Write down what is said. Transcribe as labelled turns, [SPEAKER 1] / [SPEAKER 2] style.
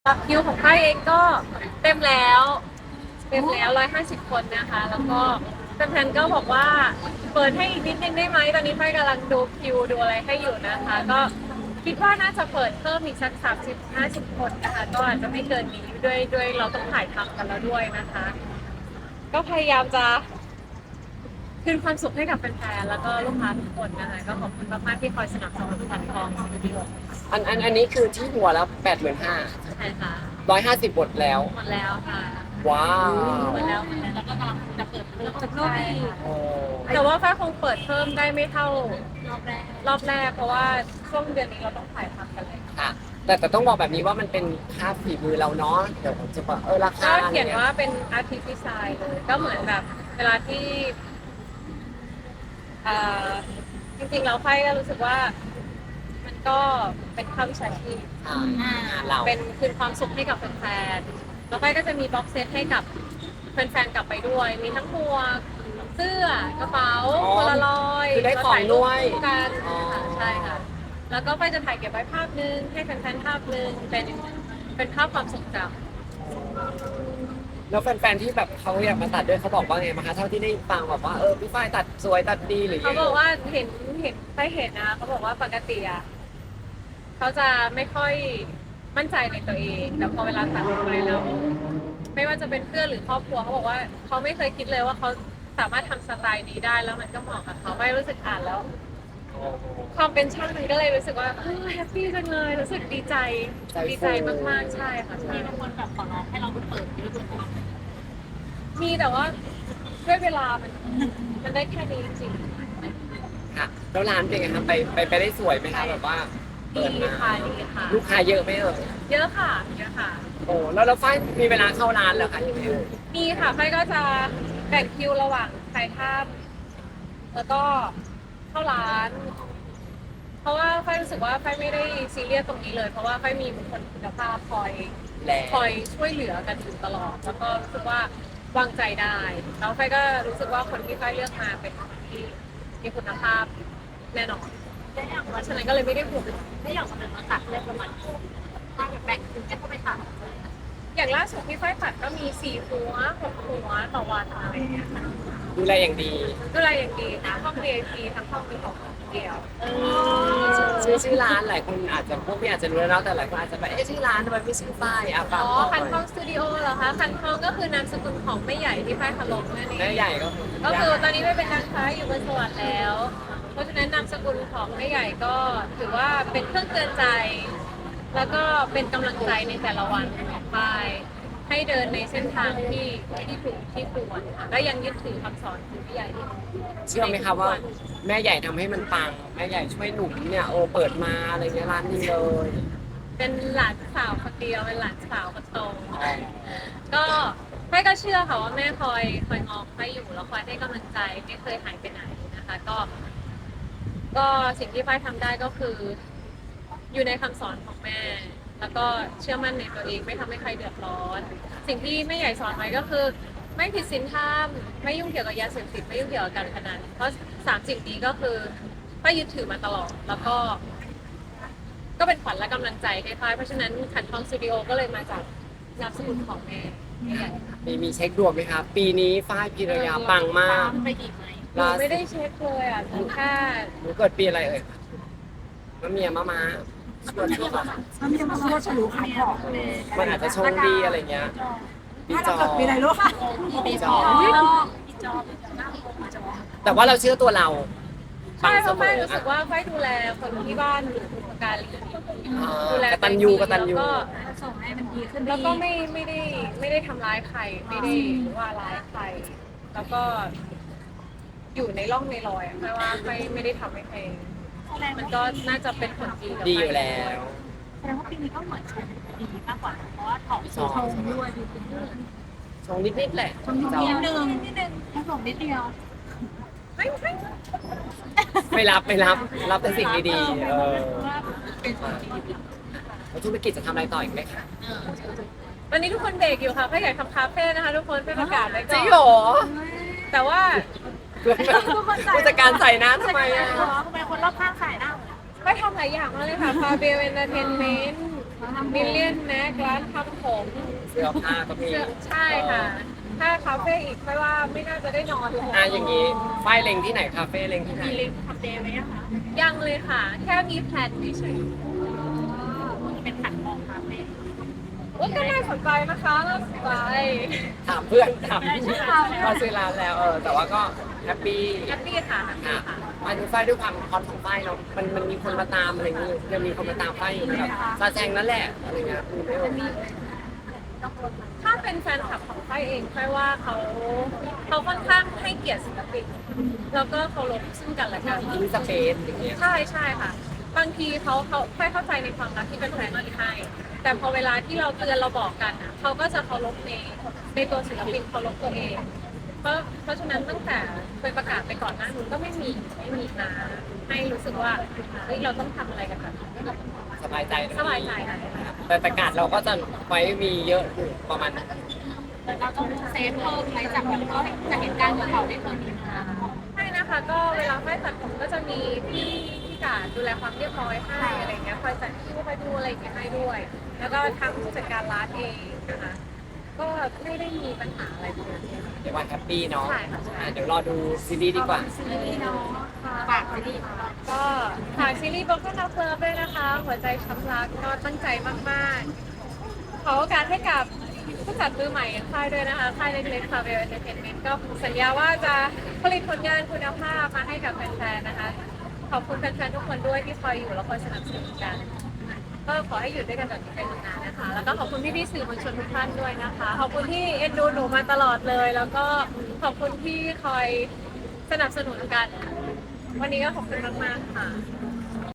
[SPEAKER 1] คิวของค่ายเองก็เต็มแล้ว150 คนนะคะแล้วก็แฟนๆก็บอกว่าเปิดให้อีกนิดนึงได้ไหมตอนนี้ค่ายกำลังดูคิวดูอะไรให้อยู่นะคะก็คิดว่าน่าจะเปิดเพิ่มอีกสัก30-50 คนนะคะก็อาจจะไม่เกินนี้ด้วยเราต้องถ่ายทำกันแล้วด้วยนะคะก็พยายามจะคืนความสุขให้กับแฟนๆแล้วก็ลูกค้าทุกคนนะคะก็ขอบคุณมากๆที่คอยสนับสนุนพันทองสตูดิโอ
[SPEAKER 2] อันนี้คือที่หัวแล้ว85,000
[SPEAKER 1] ใช่ค่ะ
[SPEAKER 2] 150บทแล้ว
[SPEAKER 1] หมดแล้วค่ะ
[SPEAKER 2] ว้าว
[SPEAKER 1] หมดแล้วแล้วก็กำลังจะเปิดเพิ่มใช่ค่ะ
[SPEAKER 2] โอ้
[SPEAKER 1] แต่ว่าฝ้ายคงเปิดเพิ่มได้ไม่เท่ารอบแรกเพราะว่าช่วงเดือนนี้เราต้องถ่ายทำกันเลย
[SPEAKER 2] ค่ะแต่ต้องบอกแบบนี้ว่ามันเป็นค่าฝีมือเราเนาะเดี๋ยวผมจะบอกราคา
[SPEAKER 1] ก็เขียนว่าเป็น artist design เลยก็เหมือนแบบเวลาที่เอ่อจริงๆเราฝ้ายก็รู้สึกว่ามันก็เป็นค่าวิชาชีพ
[SPEAKER 2] เรา
[SPEAKER 1] เป็นคืนความสุขให้กับแฟนๆแล้วฝ้ายก็จะมีบ็อกเซตให้กับแฟนๆกลับไปด้วยมีทั้งหมวกเสื้อกระเป๋าโพลารอยด์
[SPEAKER 2] คือได้ของด้วย
[SPEAKER 1] กันค่ะใช่ค่ะแล้วก็ฝ้ายจะถ่ายเก็บไว้ภาพนึงให้แฟนๆภาพนึงเป็นภาพความทรงจำ
[SPEAKER 2] แล้วแฟนๆที่แบบเขาอยากมาตัดด้วยเขาบอกว่าไงบ้างคะเท่าที่ได้ฟังแบบว่าพี่ฝ้ายตัดสวยตัดดีหรือ
[SPEAKER 1] เขาบอกว่าเห็นได้เห็นนะเขาบอกว่าปกติอ่ะเขาจะไม่ค่อยมั่นใจในตัวเองแต่พอเวลาตัดออกไปแล้วไม่ว่าจะเป็นเพื่อนหรือครอบครัวเขาบอกว่าเขาไม่เคยคิดเลยว่าเขาสามารถทำสไตล์นี้ได้แล้วมันก็เหมาะกับเขาไม่รู้สึกอ่านแล้วความเป็นช่างมันก็เลยรู้สึกว่าแฮปปี้จังเลยรู้สึกดีใจมากๆใช่ค่ะใช่บางคนแบบขอร้องให้เราเปิดด้วยตัวเองมีแต่ว่าด้วยเวลามันได้แค่นี้จริงๆ
[SPEAKER 2] ค่ะแล้วร้านเป็นไงคะไปได้สวยไหมคะแบบว่าเปิด
[SPEAKER 1] ดี
[SPEAKER 2] มา
[SPEAKER 1] ค่ะดีค่ะ
[SPEAKER 2] ลูกค้าเยอะไหม
[SPEAKER 1] เยอะค่ะเยอะค่ะ
[SPEAKER 2] โอ้แล้วฝ้ายมีเวลาเข้าร้านเหรอคะยังไง
[SPEAKER 1] มีค่ะไฟก็จะแบ่งคิวระหว่างถ่ายภาพแล้วก็เข้าร้าน เพราะว่าไฟรู้สึกว่าไฟไม่ได้ซีเรียสตรงนี้เลย เพราะว่าไฟมีบุคคลคุณภาพคอยช่วยเหลือกันอยู่ตลอด แล้วก็รู้สึกว่าวางใจได้แล้วไฟก็รู้สึกว่าคนที่ไฟเลือกมาเป็นคนที่มีคุณภาพแน่นอนเพราะฉะนั้นก็เลยไม่ได้ห่วงไม่อยากมาเป็นมาตัดเรื่องประมาณถ้าแบ่งคิวให้เข้าไปตัดอย่างล่าสุดที่ไฟตัดก็มี4 หัว 6 หัวต่อวันอะไรอย่างเงี้ยค่ะ
[SPEAKER 2] ดูแลอย่างดี
[SPEAKER 1] ดูแลอย่างดีทั้งห้อง VIP ทั้งห้องมีของเดียว
[SPEAKER 2] ชื่อร้านหลายคนอาจจะพวกพี่อาจจะรู้แล้วเนาะแต่หลายคนอาจจะแบบชื่อร้านทำไมไม่ชื่อฝ้ายฝาก
[SPEAKER 1] คันทองสตูดิโอเหรอคะคันทองก็คือนามสกุลของแม่ใหญ่ที่ไฟเคารพนั่นเอง
[SPEAKER 2] แม่ใหญ่
[SPEAKER 1] ก็คือตอนนี้ไม่เป็นนางฟ้าอยู่บนสวรรค์แล้ว เพราะฉะนั้นนามสกุลของแม่ใหญ่ก็ถือว่าเป็นเครื่องเตือนใจ แล้วก็เป็นกำลังใจในแต่ละวันของฝ้ายให้เดินในเส้นทางที่ถูกที่ควรค่ะและยังยึดถือคำสอนของแม่ใหญ่
[SPEAKER 2] เชื่อไหมคะว่าแม่ใหญ่ทำให้มันปังแม่ใหญ่ช่วยหนุ่มเนี่ยเปิดมาอะไรเงี้ยร้านนี้เลย
[SPEAKER 1] เป็นหลานสาวคนเดียวเป็นหลานสาวคนโตก็แม่ก็เชื่อค่ะว่าแม่คอยงอคอยอยู่แล้วคอยให้กำลังใจไม่เคยหายไปไหนนะคะก็สิ่งที่ฝ้ายทำได้ก็คืออยู่ในคำสอนของแม่ แล้วก็เชื่อมั่นในตัวเองไม่ทำให้ใครเดือดร้อน สิ่งที่แม่ใหญ่สอนไว้ก็คือ ไม่ผิดศีลธรรมไม่ยุ่งเกี่ยวกับยาเสพติดไม่ยุ่งเกี่ยวกับการพนันเพราะ3 สิ่งนี้ก็คือฝ้ายยึดถือมาตลอดแล้วก็เป็นขวัญและกำลังใจให้ฝ้ายเพราะฉะนั้นขันทองสตูดิโอก็เลยมาจากนามสกุลของแม่ใหญ่ค่ะ
[SPEAKER 2] มีเช็คดวงไหมคะปีนี้ฝ้ายพิรยาปังมาก
[SPEAKER 1] ไปอีกไหมหนูไม่ได้เช็คเลยอ่ะหนูแค่
[SPEAKER 2] หนูเกิดปีอะไรมะเมียมาชวนช่วง
[SPEAKER 3] มันยังมาว่าฉลูขายของ
[SPEAKER 2] มันอาจจะโชคดีอะไรเงี้ยปีจอ
[SPEAKER 3] ปีอะไรรู้ค่ะ
[SPEAKER 2] ปีจอแต่ว่าเราเชื่อตัวเรา
[SPEAKER 1] ใช่เพราะฝ้ายรู้สึกว่าฝ้ายดูแลคนที่บ้านหรือบุพการีดูแล
[SPEAKER 2] กตัญญูกตัญญู
[SPEAKER 1] ก็ส่งให้มันดีขึ้นแล้วก็ไม่ได้ทำร้ายใครไม่ได้ว่าร้ายใคร แล้วก็อยู่ในร่องในรอยไม่ว่าไม่ได้ทำให้ใครมันก็น่าจะเป็นผลดีกับ
[SPEAKER 2] ดีอยู่แล้ว
[SPEAKER 3] แสดงว่าปีนี้ก็เหมือนชงดีมากกว่าเพราะว่าของชงด้วยดูเป็นเรื่อง
[SPEAKER 2] ชงนิดๆแหละ
[SPEAKER 3] ชงนิดนึงแค่ส่งนิดเดียว
[SPEAKER 2] ไม่รับแต่สิ่งดีๆแล้วธุรกิจจะทำอะไรต่ออีกไหมคะ
[SPEAKER 1] วันนี้ทุกคนเบรกอยู่ค่ะก็อยากทำคาเฟ่นะคะ ทุกคนไปประกาศไว้ก่อน
[SPEAKER 2] จริงเหรอ
[SPEAKER 1] แต่ว่า
[SPEAKER 2] ผู้จัดการใส่น้ำทำไมอ่ะ
[SPEAKER 3] ทำไมคนรอบข้างขายหน้า
[SPEAKER 1] ไปทำหลายอย่างมากเลยค่ะฟาเบลเอนเตอร์เทนเมนต์
[SPEAKER 3] ทำ
[SPEAKER 1] มิลเลียนแม็กร้านทำผม
[SPEAKER 2] เสื้อผ้าก็มี
[SPEAKER 1] ใช่ค่ะ ถ้าคาเฟ่อีกไม่ว่าไม่น่าจะได้นอนเลย
[SPEAKER 2] อย่างนี้ฝ้ายเล็งที่ไหนคาเฟ่เล็งที่ไหน
[SPEAKER 3] มีลิงก์ทำเดย์ไหมอะคะ
[SPEAKER 1] ยังเลยค่ะ แค่มีแพลนเฉย
[SPEAKER 3] เป็นขัดมองคาเฟ่
[SPEAKER 1] ๆว่าก็น่าสนใจนะคะน่าสนใจ
[SPEAKER 2] ถามเพื่อนถามมาซื้อร้านแล้วแต่ว่าก็แฮปปี้
[SPEAKER 1] แฮปปี้ค่ะแฮปปี้
[SPEAKER 2] ค่ะ
[SPEAKER 1] ค่ะ
[SPEAKER 2] มาดูฝ้ายด้วยความฮอตของฝ้ายเนาะมันมีคนมาตามอะไรอย่างเงี้ยยังมีคนมาตามฝ้ายอยู่แบบซาแซงนั่นแหละอะไรเงี้ยคือไม่มี
[SPEAKER 1] ถ้าเป็นแฟนคลับของค่ายเองค่ายว่าเขาค่อนข้างให้เกียรติศิลปินแล้วก็เคารพซึ่งกันและกัน
[SPEAKER 2] ทิ้งสเปซอย่างเงี้ย
[SPEAKER 1] ใช่ใช่ค่ะ บางทีเขาค่อยเข้าใจในความรักที่เป็นแฟนมีให้ แต่พอเวลาที่เราเตือนเราบอกกันอ่ะเขาก็จะเคารพในตัวศิลปินเคารพตัวเอง เพราะฉะนั้นตั้งแต่เคยประกาศไปก่อนหน้านู้นก็ไม่มีนะให้รู้สึกว่าเฮ้ยเราต้องทำอะไรกันแบบนี้
[SPEAKER 2] สบายใจนะ
[SPEAKER 1] สบายใจค่ะ
[SPEAKER 2] แต่ประกาศเราก็จะไว้มีเยอะอยู่ประมาณ
[SPEAKER 3] แต่เราต้องเซฟเพิ่มไหมจากแบบก็จะเห็นการของเขาได้เคยมีมา
[SPEAKER 1] ใช่นะคะก็เวลาค่อยตัดผมก็จะมีพี่การดูแลความเรียบร้อยให้อะไรเงี้ยคอยจัดคิวคอยดูอะไรอย่างเงี้ยให้ด้วย แล้วก็ทางผู้จัดการร้านเองนะคะก็ไม่ได้มีปัญหาอะไรเลย
[SPEAKER 2] เดี๋ยววันแฮปปี้เนาะ
[SPEAKER 1] ใช่ค่ะใช่
[SPEAKER 2] เดี๋ยวรอดูซีรีส์ดีกว่า
[SPEAKER 3] ซีรีส์เนาะฝากซีรีส์
[SPEAKER 1] ก็ฝากซีรีส์ Broken Love Club ด้วยนะคะ หัวใจช้ำรักก็ตั้งใจมากๆ ขอโอกาสให้กับผู้จัดมือใหม่อย่างค่ายด้วยนะคะค่ายเล็กๆ Travel Entertainment ก็สัญญาว่าจะผลิตผลงานคุณภาพมาให้กับแฟนๆนะคะ ขอบคุณแฟนๆทุกคนด้วยที่คอยอยู่และคอยสนับสนุนกัน ก็ขอให้อยู่ด้วยกันแบบนี้ไปนานๆนะคะ แล้วก็ขอบคุณพี่ๆสื่อมวลชนทุกท่านด้วยนะคะ ขอบคุณที่เอ็นดูหนูมาตลอดเลย แล้วก็ขอบคุณที่คอยสนับสนุนกัน วันนี้ก็ขอบคุณมากๆค่ะ